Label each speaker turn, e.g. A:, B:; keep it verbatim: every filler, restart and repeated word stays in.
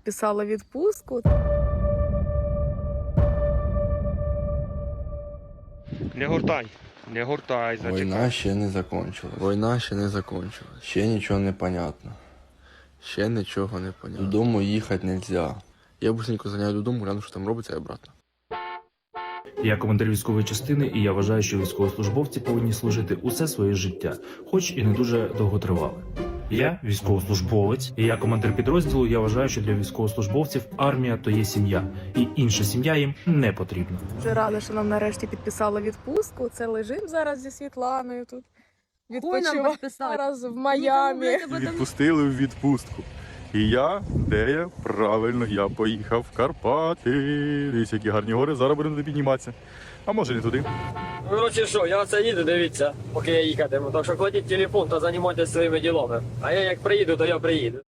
A: підписала відпустку.
B: Не гуртай, не гуртай, зачекай.
C: Війна ще не закончилась.
D: Війна ще не закінчилась.
C: Ще нічого не понятно.
D: Ще нічого не понятно.
C: Додому їхати нельзя.
D: Я быстренько заняю додому, гляну, що там робиться, і обратно.
E: Я командир військової частини, і я вважаю, що військовослужбовці повинні служити усе своє життя, хоч і не дуже довготривале. Я військовослужбовець, і я командир підрозділу. Я вважаю, що для військовослужбовців армія то є сім'я, і інша сім'я їм не потрібна.
A: Дуже рада, що нам нарешті підписала відпустку. Це лежимо зараз зі Світланою тут. Відпочиваємо зараз в Майамі.
F: Відпустили в відпустку. І я, де я? Правильно, я поїхав в Карпати. Дивіться, які гарні гори, зараз будемо туди підніматися. А може не туди.
G: Коротше, що, я оце їду, дивіться, поки я їхатиму. Так що кладіть телефон та займайтеся своїми ділами. А я як приїду, то я приїду.